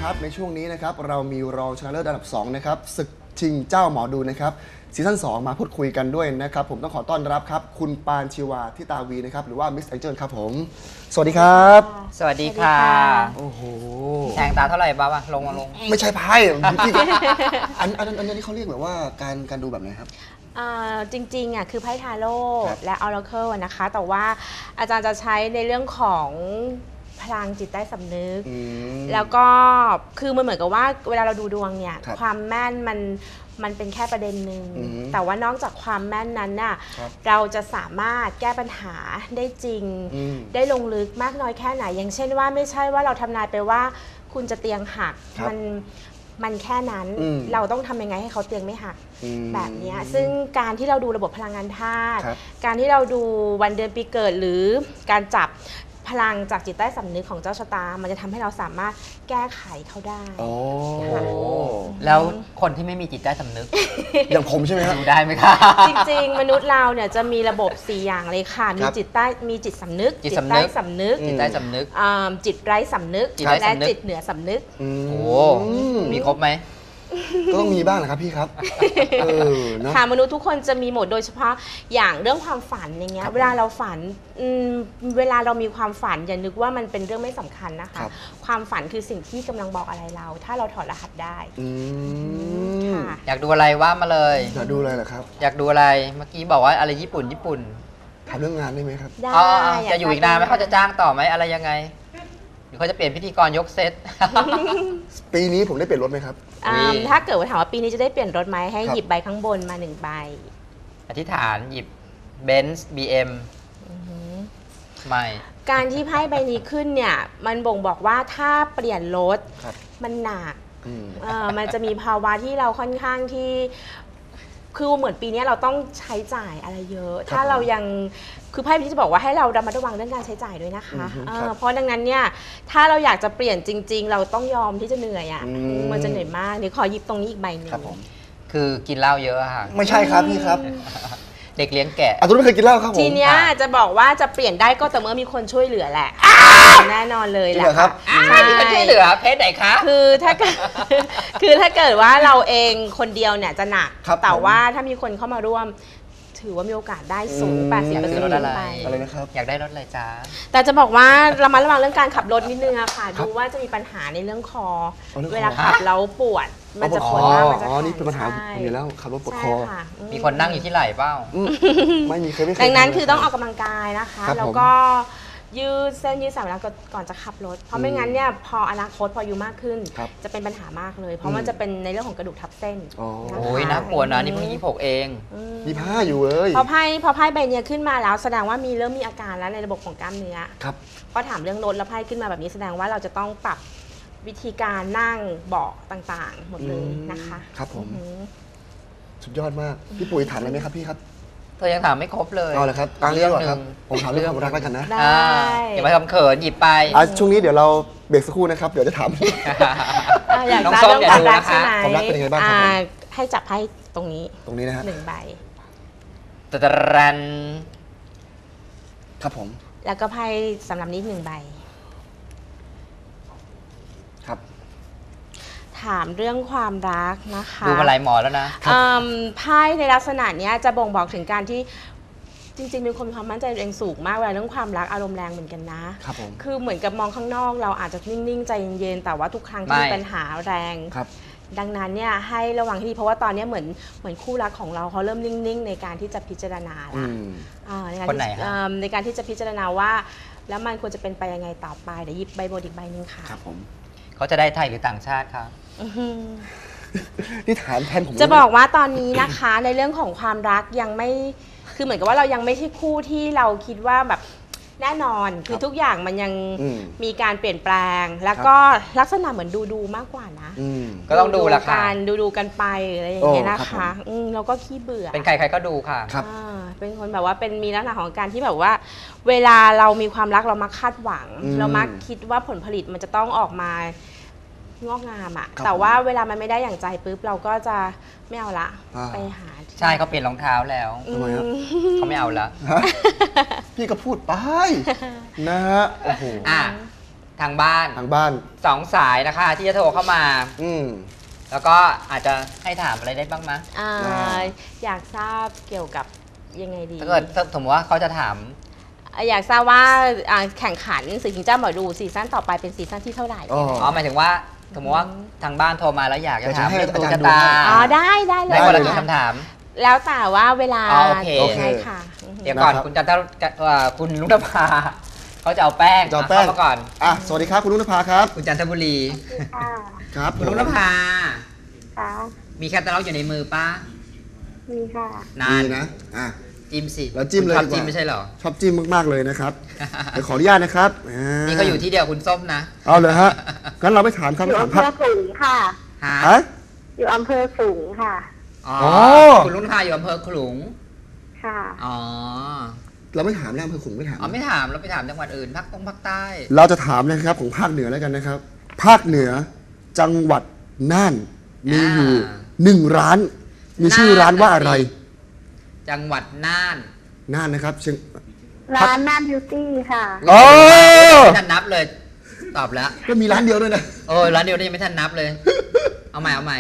ครับในช่วงนี้นะครับเรามีรองชนะเลิศอันดับ2นะครับศึกชิงเจ้าหมอดูนะครับซีซั่น2มาพูดคุยกันด้วยนะครับผมต้องขอต้อนรับครับคุณปานชีวาทิตาวีนะครับหรือว่ามิสแองเจิลครับผมสวัสดีครับสวัสดีค่ะโอ้โหแทงตาเท่าไหร่บ้างลงไม่ใช่ไพ่พี่อันนี้เขาเรียกแบบว่าการดูแบบไหนครับจริงๆคือไพ่ทาโร่และออราเคิลนะคะแต่ว่าอาจารย์จะใช้ในเรื่องของพลังจิตใต้สำนึกแล้วก็คือมันเหมือนกับว่าเวลาเราดูดวงเนี่ยความแม่นมันเป็นแค่ประเด็นหนึ่งแต่ว่านอกจากความแม่นนั้นน่ะเราจะสามารถแก้ปัญหาได้จริงได้ลงลึกมากน้อยแค่ไหนอย่างเช่นว่าไม่ใช่ว่าเราทำนายไปว่าคุณจะเตียงหักมันแค่นั้นเราต้องทำยังไงให้เขาเตียงไม่หักแบบนี้ซึ่งการที่เราดูระบบพลังงานธาตุการที่เราดูวันเดือนปีเกิดหรือการจับพลังจากจิตใต้สำนึกของเจ้าชะตามันจะทำให้เราสามารถแก้ไขเขาได้แล้วคนที่ไม่มีจิตใต้สำนึกอย่างผมใช่ไหมครับดูได้ไหมคะจริงๆมนุษย์เราเนี่ยจะมีระบบ4อย่างเลยค่ะมีจิตสำนึกจิตใต้สำนึกจิตใต้สำนึกจิตไร้สำนึกและจิตเหนือสำนึกโอ้มีครบไหมก็ต้องมีบ้างนะครับพี่ครับค่ะมนุษย์ทุกคนจะมีหมดโดยเฉพาะอย่างเรื่องความฝันอย่างเงี้ยเวลาเราฝันเวลาเรามีความฝันอย่านึกว่ามันเป็นเรื่องไม่สำคัญนะคะความฝันคือสิ่งที่กำลังบอกอะไรเราถ้าเราถอดรหัสได้อยากดูอะไรว่ามาเลยอยากดูอะไรเหรอครับอยากดูอะไรเมื่อกี้บอกว่าอะไรญี่ปุ่นถามเรื่องงานได้ไหมครับได้จะอยู่อีกนานไหมเขาจะจ้างต่อไหมอะไรยังไงหรือเขาจะเปลี่ยนพิธีกรยกเซตปีนี้ผมได้เปลี่ยนรถไหมครับถ้าเกิดว่าถามว่าปีนี้จะได้เปลี่ยนรถไหมให้หยิบใบข้างบนมา1ใบอธิษฐานหยิบเบนซ์BM ไม่การที่ไพ่ใบนี้ขึ้นเนี่ยมันบ่งบอกว่าถ้าเปลี่ยนรถมันหนักมันจะมีภาวะที่เราค่อนข้างที่คือเหมือนปีนี้เราต้องใช้จ่ายอะไรเยอะถ้าเรายังคือไพ่พี่จะบอกว่าให้เราระมัดระวังเรื่องการใช้จ่ายด้วยนะคะเพราะดังนั้นเนี่ยถ้าเราอยากจะเปลี่ยนจริงๆเราต้องยอมที่จะเหนื่อยมันจะเหนื่อยมากเดี๋ยวขอหยิบตรงนี้อีกใบหนึ่งคือกินเหล้าเยอะค่ะไม่ใช่ครับพี่ครับเด็กเลี้ยงแกะตุ้นไม่เคยกินเหล้าครับผมทีเนี้ยจะบอกว่าจะเปลี่ยนได้ก็แต่เมื่อมีคนช่วยเหลือแหละแน่นอนเลยแหละครับใช่มีคนช่วยเหลือเพศไหนคะคือถ้าเกิดว่าเราเองคนเดียวเนี่ยจะหนักแต่ว่าถ้ามีคนเข้ามาร่วมถือว่ามีโอกาสได้สูง 80% รถอะไรนะครับอยากได้รถอะไรจ้าแต่จะบอกว่าระมัดระวังเรื่องการขับรถนิดนึงอะค่ะดูว่าจะมีปัญหาในเรื่องคอเวลาขับแล้วปวดมันจะปวดมากมันจะนี่เป็นปัญหาผมอยู่แล้วขับรถปวดคอมีคนนั่งอยู่ที่ไหล่เปล่าไม่มีเคยดังนั้นคือต้องออกกำลังกายนะคะแล้วก็ยืดเส้นยืดสายเวลาก่อนจะขับรถเพราะไม่งั้นเนี่ยพออนาคตพออายุมากขึ้นจะเป็นปัญหามากเลยเพราะมันจะเป็นในเรื่องของกระดูกทับเส้นโอ้ยน่ากลัวนะนี่เพิ่ง26เอง 25อยู่เลยพอไพ่ใบนี้ขึ้นมาแล้วแสดงว่าเริ่มมีอาการแล้วในระบบของกล้ามเนื้อครับพอถามเรื่องรถแล้วไพ่ขึ้นมาแบบนี้แสดงว่าเราจะต้องปรับวิธีการนั่งเบาะต่างๆหมดเลยนะคะครับผมสุดยอดมากพี่ปุ๋ยถามอะไรไหมครับพี่ครับเธอยังถามไม่ครบเลยเอาเลยครับตั้งเรื่องก่อนครับผมถามเรื่องความรักแล้วกันนะได้อย่ามาทำเขินหยิบไปช่วงนี้เดี๋ยวเราเบรกสักครู่นะครับเดี๋ยวจะถามอยากจะเรื่องความรักใช่ไหมความรักเป็นยังไงบ้างครับให้จับให้ตรงนี้นะฮะ 1ใบตะรันครับผมแล้วก็ไพ่สำหรับนี้1ใบครับถามเรื่องความรักนะคะดูมาหลายหมอแล้วนะไพ่ในลักษณะนี้จะบ่งบอกถึงการที่จริงๆเป็นคนมีความมั่นใจตัวเองสูงมากเวลาเรื่องความรักอารมณ์แรงเหมือนกันนะครับคือเหมือนกับมองข้างนอกเราอาจจะนิ่งๆใจเย็นๆแต่ว่าทุกครั้งที่มีปัญหาแรงดังนั้นเนี่ยให้ระวังให้ดีเพราะว่าตอนนี้เหมือนคู่รักของเราเขาเริ่มนิ่งๆในการที่จะพิจารณาแล้วในการที่จะพิจารณาว่าแล้วมันควรจะเป็นไปยังไงต่อไปเดี๋ยวหยิบใบโบดอีกใบนึงค่ะครับผมเขาจะได้ไทยหรือต่างชาติครับนี่ถามแทนผมจะบอกว่าตอนนี้นะคะในเรื่องของความรักยังไม่คือเหมือนกับว่าเรายังไม่ใช่คู่ที่เราคิดว่าแบบแน่นอนคือทุกอย่างมันยังมีการเปลี่ยนแปลงแล้วก็ลักษณะเหมือนดูมากกว่านะก็ต้องดูละค่ะดูกันไปอะไรอย่างเงี้ยนะคะแล้วก็ขี้เบื่อเป็นใครก็ดูค่ะเป็นคนแบบว่าเป็นมีลักษณะของการที่แบบว่าเวลาเรามีความรักเรามักคาดหวังเรามักคิดว่าผลผลิตมันจะต้องออกมางอกงามอะแต่ว่าเวลามันไม่ได้อย่างใจปุ๊บเราก็จะไม่เอาละไปหาใช่เขาเปลี่ยนรองเท้าแล้วเขาไม่เอาละพี่ก็พูดไปนะฮะโอ้โหทางบ้านทางบ้าน 2 สายนะคะที่จะโทรเข้ามาอืมแล้วก็อาจจะให้ถามอะไรได้บ้างไหมอยากทราบเกี่ยวกับยังไงดีถ้าเกิดสมมติว่าเขาจะถามอยากทราบว่าแข่งขันศึกชิงเจ้าหมอดูซีซั่นต่อไปเป็นซีซั่นที่เท่าไหร่อ๋อหมายถึงว่าสมมติว่าทางบ้านโทรมาแล้วอยากจะถามอยากจะให้เรื่องดวงอาจารย์ชะตาดูให้อ๋อได้เลยได้คนละได้กี่คำถามแล้วแต่ว่าเวลาอ๋อโอเคใช่ค่ะเดี๋ยวก่อนนะครับคุณจันทคุณลุงนภาเขาจะเอาแป้งจะเอาแป้งเข้ามาก่อนสวัสดีครับคุณลุงนภาครับคุณจันทบุรีค่ะครับคุณลุงนภาค่ะมีแคตตาล็อกอยู่ในมือป้ามีค่ะนานดีนะจิ้มสิเราจิ้มเลยคุณชอบดีกว่าจิ้มไม่ใช่เหรอชอบจิ้มมากๆเลยนะครับ เดี๋ยวขออนุญาตนะครับนี่เขาอยู่ที่เดียวคุณส้มนะเอาเลยฮะงั้นเราไปถามอยู่คำถามอำเภพักอขลุงค่ะฮะฮะอยู่อำเภอขลุงค่ะอ๋ออ๋อคุณลุงนภาอยู่อำเภอขลุงค่ะอ๋อเราไม่ถามแล้วอำเภอขลุงไม่ถามอ๋อไม่ถามเราไปถามจังหวัดอื่นภาคใต้เราจะถามนะครับของภาคเหนือแล้วกันนะครับ ภาคเหนือจังหวัดน่านมีอยู่1 ร้าน มีชื่อร้านว่าอะไรจังหวัดน่านน่านนะครับเชียงร้านน่านบิวตี้ค่ะโอ้ไม่ทันนับเลย ตอบแล้วก็มีร้านเดียวด้วยนะโอ้ยร้านเดียวนี่ยังไม่ทันนับเลย เอาใหม่เอาใหม่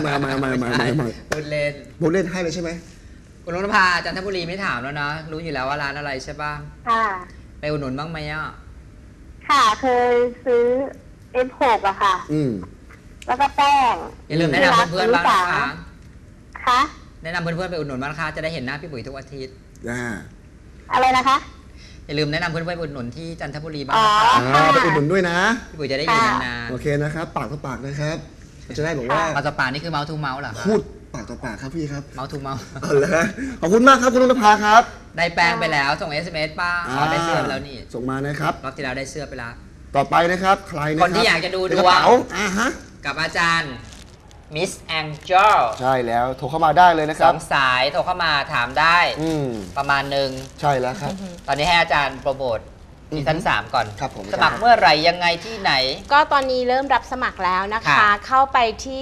พูดเล่นผมเล่นให้เลยใช่ไหมคุณลุงนภาจันทบุรีไม่ถามแล้วนะ รู้อยู่แล้วว่าร้านอะไรใช่ป่ะค่ะไปอุดหนุนบ้างไหมอ่ะค่ะ เคยซื้อ F6 อะค่ะอืมแล้วก็แป้งอย่าลืมแนะนำเพื่อนๆบ้างนะคะค่ะแนะนำเพื่อนๆไปอุดหนุนบ้างนะคะจะได้เห็นหน้าพี่ปุ๋ยทุกอาทิตย์อะไรนะคะอย่าลืมแนะนำเพื่อนๆไปอุดหนุนที่จันทบุรีบ้างอ๋อนะคะไปอุดหนุนด้วยนะพี่ปุ๋ยจะได้อยู่นานโอเคนะครับ ปากต่อปากนะครับ จะได้บอกว่าๆปาสปานี่คือเมาส์ทูเมาส์เหรอคะพูดปากต่อปากครับพี่ครับเมาส์ทูเมาส์เอาเลยฮะขอบคุณมากครับคุณลุงนภาครับได้แป้งไปแล้วส่ง SMS ป้าอ๋อได้เสื้อไปแล้วนี่ส่งมานะครับรอบที่แล้วได้เสื้อไปแล้วต่อไปนะครับ ใครนะครับคนที่อยากจะดูดวงในกระเป๋าฮะกับอาจารย์ Miss Angel ใช่แล้วโทรเข้ามาได้เลยนะคสรัอบ งสายโทรเข้ามาถามได้อืมประมาณหนึ่งใช่แล้วครับตอนนี้ให้อาจารย์โปรโมทซีซั่น3ก่อนครับผมสมัครเมื่อไหร่ยังไงที่ไหนก็ตอนนี้เริ่มรับสมัครแล้วนะคะค่ะเข้าไปที่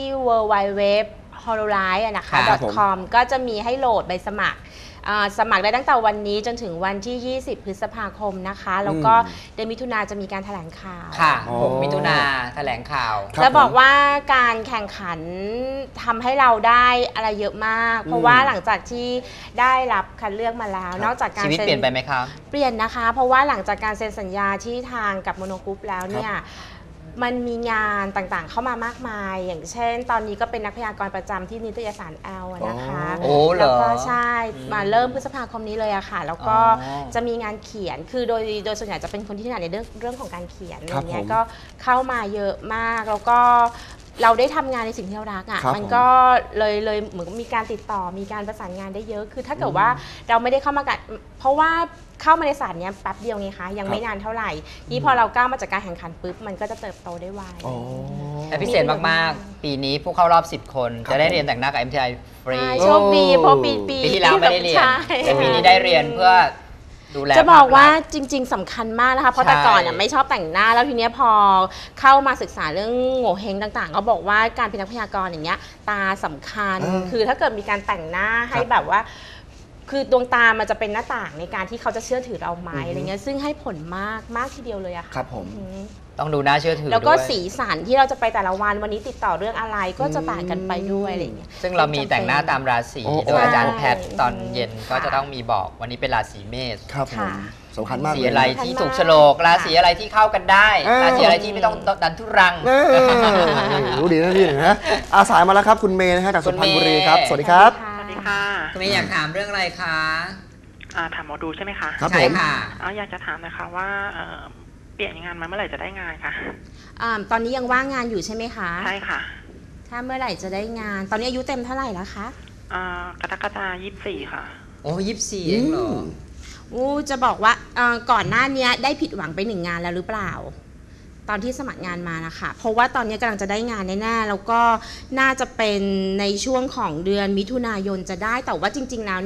www.hololive นะคะครับผม .com ก็จะมีให้โหลดใบสมัครสมัครได้ตั้งแต่วันนี้จนถึงวันที่ 20 พฤษภาคมนะคะ แล้วก็เดือนมิถุนาจะมีการแถลงข่าวค่ะอ๋อ 6 มิถุนาแถลงข่าวครับจะบอกผมว่าการแข่งขันทำให้เราได้อะไรเยอะมาก เพราะว่าหลังจากที่ได้รับคัดเลือกมาแล้วครับนอกจากการชีวิตเปลี่ยนไปไหมครับเปลี่ยนนะคะ เพราะว่าหลังจากการเซ็นสัญญาที่ทางกับโมโนกรุ๊ปแล้วเนี่ยมันมีงานต่างๆเข้ามามากมาย อย่างเช่น ตอนนี้ก็เป็นนักพยากรณ์ประจำที่นิตยสารแอลนะคะโอ้เหรอแล้วก็ใช่มาเริ่มพฤษภาคมนี้เลยอะค่ะ แล้วก็อ๋อจะมีงานเขียนคือโดยส่วนใหญ่จะเป็นคนที่ถนัดในเรื่องของการเขียนอะไรครับเงี้ผยมก็เข้ามาเยอะมากแล้วก็เราได้ทำงานในสิ่งที่เรารักอะครับมันก็เลยเหมือนกับมีการติดต่อมีการประสานงานได้เยอะคือถ้าเกิดว่าเราไม่ได้เข้ามากันเพราะว่าเข้ามาในศาสตร์เนี้ยแป๊บเดียวไงคะยังไม่นานเท่าไหร่นี่พอเราก้าวมาจากการแข่งขันปุ๊บมันก็จะเติบโตได้ไวอ๋อและพิเศษมาก ๆ ปีนี้ผู้เข้ารอบ 10 คนครับจะได้เรียนแต่งหน้ากับ MTI ฟรีใช่โชคดีเพราะปีปีที่แล้วไม่ได้เรียนใช่แต่ปีนี้ได้เรียนเพื่อดูแลจะบอกว่าภพลักษณ์จริง ๆสำคัญมากนะคะเพราะใช่แต่ก่อนน่ะไม่ชอบแต่งหน้าแล้วทีเนี้ยพอเข้ามาศึกษาเรื่องโง่เฮงต่างๆ ก็บอกว่าการเป็นนักพยากรณ์อย่างเงี้ยตาสำคัญ คือถ้าเกิดมีการแต่งหน้าให้แบบว่า คือดวงตามันจะเป็นหน้าต่างในการที่เขาจะเชื่อถือเราไหมอะไรเงี้ยซึ่งให้ผลมากทีเดียวเลยอะค่ะครับผมอืมต้องดูน่าเชื่อถือแล้วก็ด้วยสีสันที่เราจะไปแต่ละวันนี้ติดต่อเรื่องอะไรก็จะต่างกันไปด้วยอะไรเงี้ยซึ่งเรามีแต่งหน้าตามราศีโอ้โดยอาจารย์ใช่แพทย์ตอนเย็นก็จะต้องมีบอกวันนี้เป็นราศีเมษครับผมค่ะสำคัญมากสีเลยอะไรนะที่ถูกโฉลกราศีอะไรที่เข้ากันได้เออราศีอะไรที่ไม่ต้องดันทุรังเออรู้ดีนะพี่นะอาสายมาแล้วครับคุณเมย์นะฮะจากสุพรรณบุรีครับคุณเมย์สวัสดีครับสวัสดีค่ะคุณเมย์อยากถามเรื่องอะไรคะถามหมอดูใช่ไหมคะครับใช่ผมค่ะอยากจะถามนะคะว่าเปลี่ยนงานมาเมื่อไหร่จะได้งานคะตอนนี้ยังว่างงานอยู่ใช่ไหมคะใช่ค่ะถ้าเมื่อไหร่จะได้งาน ตอนนี้อายุเต็มเท่าไหร่แล้วคะกรกฎาคม24 ค่ะโอ้24เองเหรอจะบอกว่าก่อนหน้านี้ได้ผิดหวังไป1 งานแล้วหรือเปล่า ตอนที่สมัครงานมานะคะเพราะว่าตอนนี้กำลังจะได้งานแน่ๆแล้วก็น่าจะเป็นในช่วงของเดือนมิถุนายนจะได้แต่ว่าจริงๆแล้วเนี่ย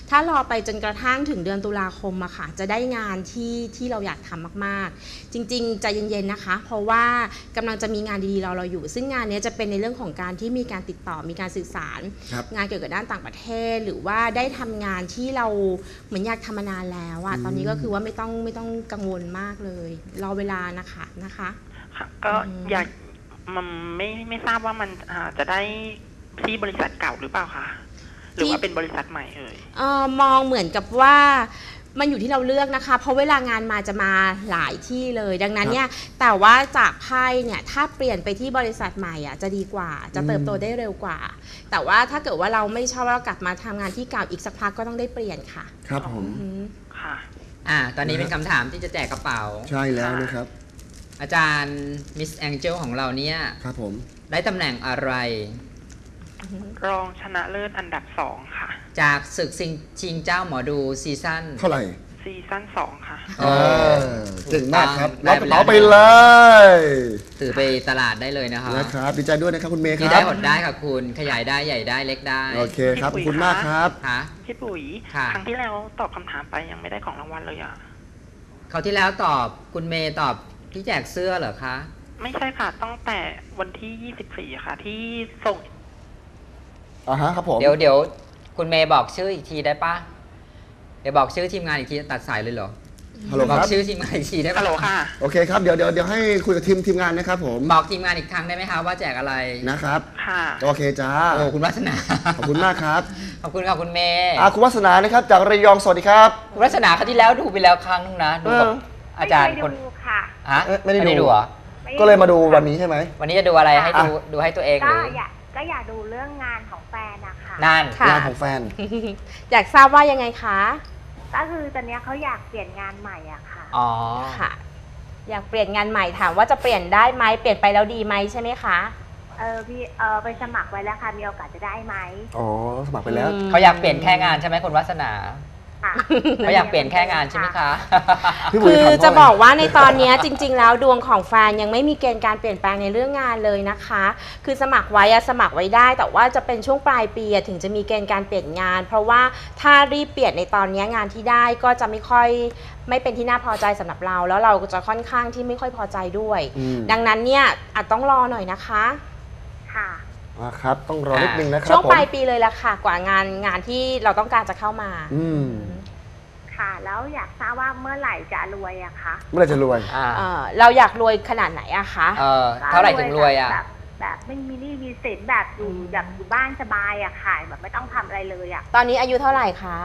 ถ้ารอไปจนกระทั่งถึงเดือนตุลาคมอะค่ะจะได้งานที่เราอยากทำมากๆจริงๆใจเย็นๆนะคะ เพราะว่ากำลังจะมีงานดีๆเราอยู่ซึ่งงานนี้จะเป็นในเรื่องของการที่มีการติดต่อมีการสื่อสาร งานเกี่ยวกับด้านต่างประเทศหรือว่าได้ทำงานที่เราเหมือนอยากทำมานานแล้วอะตอนนี้ก็คือว่าไม่ต้องกังวลมากเลยรอเวลานะคะค่ะก็อยากมันไม่ทราบว่ามันจะได้ที่บริษัทเก่าหรือเปล่าคะหรือว่าเป็นบริษัทใหม่มองเหมือนกับว่ามันอยู่ที่เราเลือกนะคะเพราะเวลางานมาจะมาหลายที่เลยดังนั้นเนี่ยแต่ว่าจากไพ่เนี่ยถ้าเปลี่ยนไปที่บริษัทใหม่อ่ะจะดีกว่าจะเติบโตได้เร็วกว่าแต่ว่าถ้าเกิดว่าเราไม่ชอบเรากลับมาทำงานที่เก่าอีกสักพักก็ต้องได้เปลี่ยนค่ะครับผมค่ะตอนนี้เป็นคำถามที่จะแจกกระเป๋าใช่แล้วนะครับอาจารย์มิสแองเจิลของเราเนี่ยครับผมได้ตำแหน่งอะไรรองชนะเลิศอันดับ2ค่ะจากศึกชิงเจ้าหมอดูซีซั่นเท่าไหร่ซีซั่น2ค่ะเก่งมากครับรับกระเป๋าไปเลยถือไปตลาดได้เลยนะครับดีใจด้วยนะครับคุณเมย์ครับได้หดได้ค่ะคุณขยายได้ใหญ่ได้เล็กได้โอเคครับขอบคุณมากครับพี่ปุ๋ยครั้งที่แล้วตอบคำถามไปยังไม่ได้ของรางวัลเลยคราวที่แล้วตอบคุณเมย์ตอบที่แจกเสื้อเหรอคะไม่ใช่ค่ะตั้งแต่วันที่24ค่ะที่ส่งครับผมเดี๋ยวคุณเมย์บอกชื่ออีกทีได้ปะเดี๋ยวบอกชื่อทีมงานอีกทีตัดสายเลยเหรอฮัลโหลครับบอกชื่อทีมงานอีกทีได้ปะฮัลโหลค่ะโอเคครับเดี๋ยวให้คุยกับทีมงานนะครับผมบอกทีมงานอีกครั้งได้ไหมคะว่าแจกอะไรนะครับค่ะโอเคจ้าโอ้คุณวัฒนาขอบคุณมากครับขอบคุณค่ะคุณเมย์คุณวัฒนานะครับจากระยองสวัสดีครับคุณวัฒนาครั้งที่แล้วดูไปแล้วครั้งนึงนะดูกับอาจารย์คนค่ะไม่ได้ดูเหรอก็เลยมาดูวันนี้ใช่ไหมวันนี้จะดูอะไรให้ดูให้ตัวเองหรือก็อยากดูเรื่องงานของแฟนนะคะงานของแฟนอยากทราบว่ายังไงคะก็คือตอนนี้เขาอยากเปลี่ยนงานใหม่อะค่ะอ๋อค่ะอยากเปลี่ยนงานใหม่ถามว่าจะเปลี่ยนได้ไหมเปลี่ยนไปแล้วดีไหมใช่ไหมคะพี่ไปสมัครไว้แล้วค่ะมีโอกาสจะได้ไหมสมัครไปแล้วเขาอยากเปลี่ยนแค่งานใช่ไหมคุณวัฒนาเขาอยากเปลี่ยนแค่งานใช่ไหมคะคือจะบอกว่าในตอนนี้จริงๆแล้วดวงของแฟนยังไม่มีเกณฑ์การเปลี่ยนแปลงในเรื่องงานเลยนะคะคือสมัครไว้สมัครไว้ได้แต่ว่าจะเป็นช่วงปลายปีถึงจะมีเกณฑ์การเปลี่ยนงานเพราะว่าถ้ารีบเปลี่ยนในตอนนี้งานที่ได้ก็จะไม่เป็นที่น่าพอใจสำหรับเราแล้วเราก็จะค่อนข้างที่ไม่ค่อยพอใจด้วยดังนั้นเนี่ยอาจต้องรอหน่อยนะคะค่ะครับต้องรอนิดนึงนะครับช่วงปลายปีเลยละค่ะกว่างานที่เราต้องการจะเข้ามาค่ะแล้วอยากทราบว่าเมื่อไหร่จะรวยอะคะเมื่อไหร่จะรวยเราอยากรวยขนาดไหนอะคะเท่าไหร่ถึงรวยอะแบบไม่มีหนี้มีสินแบบอยู่บ้านสบายอะค่ะแบบไม่ต้องทำอะไรเลยอะตอนนี้อายุเท่าไหร่คะ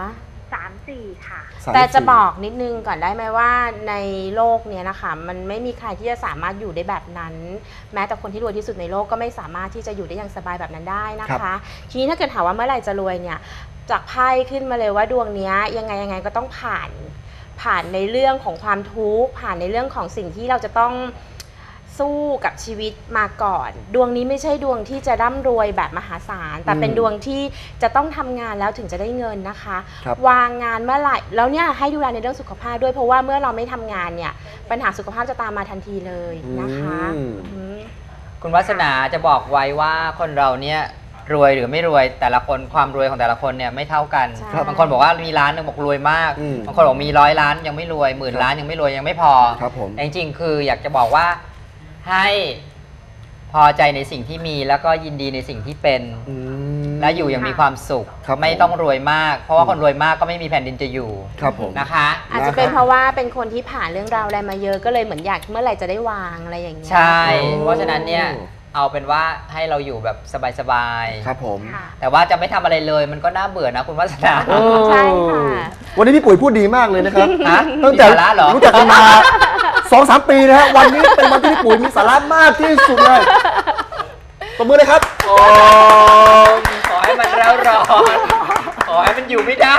34ค่ะแต่จะบอกนิดนึงก่อนได้ไหมว่าในโลกนี้นะคะมันไม่มีใครที่จะสามารถอยู่ได้แบบนั้นแม้แต่คนที่รวยที่สุดในโลกก็ไม่สามารถที่จะอยู่ได้อย่างสบายแบบนั้นได้นะคะทีนี้ถ้าเกิดถามว่าเมื่อไหร่จะรวยเนี่ยจากไพ่ขึ้นมาเลยว่าดวงนี้ยังไงก็ต้องผ่านในเรื่องของความทุกข์ผ่านในเรื่องของสิ่งที่เราจะต้องสู้กับชีวิตมาก่อนดวงนี้ไม่ใช่ดวงที่จะร่ำรวยแบบมหาศาลแต่เป็นดวงที่จะต้องทำงานแล้วถึงจะได้เงินนะคะวางงานเมื่อไหร่แล้วเนี่ยให้ดูแลในเรื่องสุขภาพด้วยเพราะว่าเมื่อเราไม่ทำงานเนี่ยปัญหาสุขภาพจะตามมาทันทีเลยนะคะคุณวัฒนาจะบอกไว้ว่าคนเราเนี่ยรวยหรือไม่รวยแต่ละคนความรวยของแต่ละคนเนี่ยไม่เท่ากันบางคนบอกว่ามีล้านนึงบอกรวยมากบางคนบอกมี100 ล้านยังไม่รวย10,000 ล้านยังไม่รวยยังไม่พอจริงๆคืออยากจะบอกว่าให้พอใจในสิ่งที่มีแล้วก็ยินดีในสิ่งที่เป็นและอยู่อย่างมีความสุขไม่ต้องรวยมากเพราะว่าคนรวยมากก็ไม่มีแผ่นดินจะอยู่นะคะอาจจะเป็นเพราะว่าเป็นคนที่ผ่านเรื่องราวอะไรมาเยอะก็เลยเหมือนอยากเมื่อไหร่จะได้วางอะไรอย่างเงี้ยใช่เพราะฉะนั้นเนี่ยเอาเป็นว่าให้เราอยู่แบบสบายๆครับผมแต่ว่าจะไม่ทำอะไรเลยมันก็น่าเบื่อนะคุณวัฒนาใช่ค่ะวันนี้พี่ปุ๋ยพูดดีมากเลยนะครับตั้งแต่รู้จักกันมา 2-3 ปีนะฮะวันนี้เป็นวันที่พี่ปุ๋ยมีสาระมากที่สุดเลยตบมือเลยครับขอให้มันร้อนขอให้มันอยู่ไม่ได้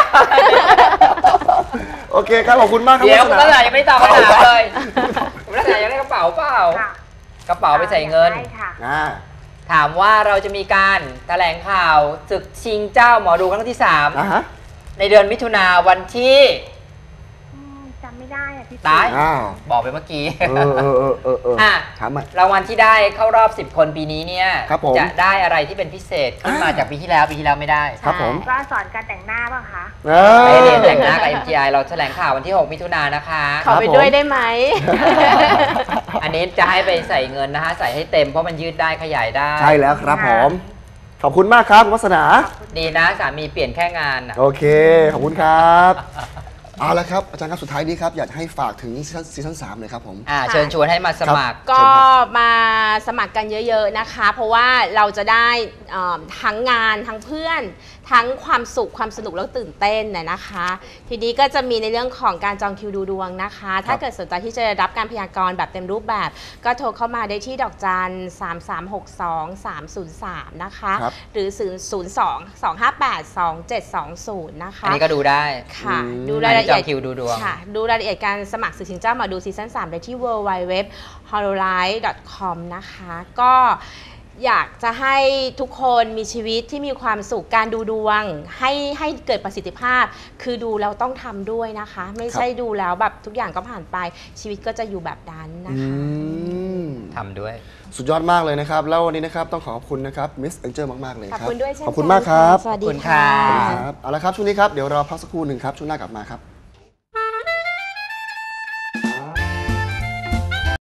โอเคครับขอบคุณมากครับเดี๋ยวคุณวัฒนายังไม่ตอบคำถามเลยคุณวัฒนายังได้กระเป๋าเปล่ากระเป๋าไปใส่เงินถามว่าเราจะมีการแถลงข่าวศึกชิงเจ้าหมอดูครั้งที่3ในเดือนมิถุนาวันที่จำไม่ได้อะพี่ตายอ้าวบอกไปเมื่อกี้อ่ะถามใหม่รางวัลที่ได้เข้ารอบ 10 คนปีนี้เนี่ยครับผมจะได้อะไรที่เป็นพิเศษขึ้นมาจากปีที่แล้วไม่ได้ครับผมก็สอนการแต่งหน้าป่ะคะไปเรียนแต่งหน้ากับ MGI เราแถลงข่าววันที่ 6 มิถุนายนนะคะขอไปด้วยได้ไหมอันนี้จะให้ไปใส่เงินนะคะใส่ให้เต็มเพราะมันยืดได้ขยายได้ใช่แล้วครับผม ขอบคุณมากครับคุณวัฒนาดีนะสามีเปลี่ยนแค่งานน่ะโอเค ขอบคุณครับเอาละครับอาจารย์ครับสุดท้ายนี้ครับอยากให้ฝากถึงซีซั่น3เลยครับผมเชิญชวนให้มาสมัครก็มาสมัครกันเยอะๆนะคะ เพราะว่าเราจะได้ทั้งงานทั้งเพื่อน ทั้งความสุขความสนุกแล้วตื่นเต้นนะคะ ทีนี้ก็จะมีในเรื่องของการจองคิวดูดวงนะคะ ถ้าเกิดสนใจที่จะรับการพยากรณ์แบบเต็มรูปแบบ ก็โทรเข้ามาได้ที่ดอกจัน 3362 303 นะคะ หรือ 02-258-2720 นะคะอันนี้ก็ดูได้ค่ะดูรายละเอียดจองคิวดูดวงค่ะดูรายละเอียดการสมัครศึกชิงเจ้าหมอดูซีซั่น3ได้ที่ www.hololive.com นะคะก็อยากจะให้ทุกคนมีชีวิตที่มีความสุขการดูดวงให้เกิดประสิทธิภาพ คือดูแล้วต้องทำด้วยนะคะ ไม่ใช่ดูแล้วแบบทุกอย่างก็ผ่านไปชีวิตก็จะอยู่แบบนั้นนะคะทำด้วยสุดยอดมากเลยนะครับ แล้ววันนี้นะครับต้องขอบคุณนะครับมิสแองเจิลมากๆเลยคขรัอบคุณด้วยเช่นขอบคุณมากครับสวัสดีขอบคุณค่ะค่ะครับเอาละครับช่วงนี้ครับเดี๋ยวเราพักสักครู่หนึ่งครับช่วงหน้ากลับมาครับ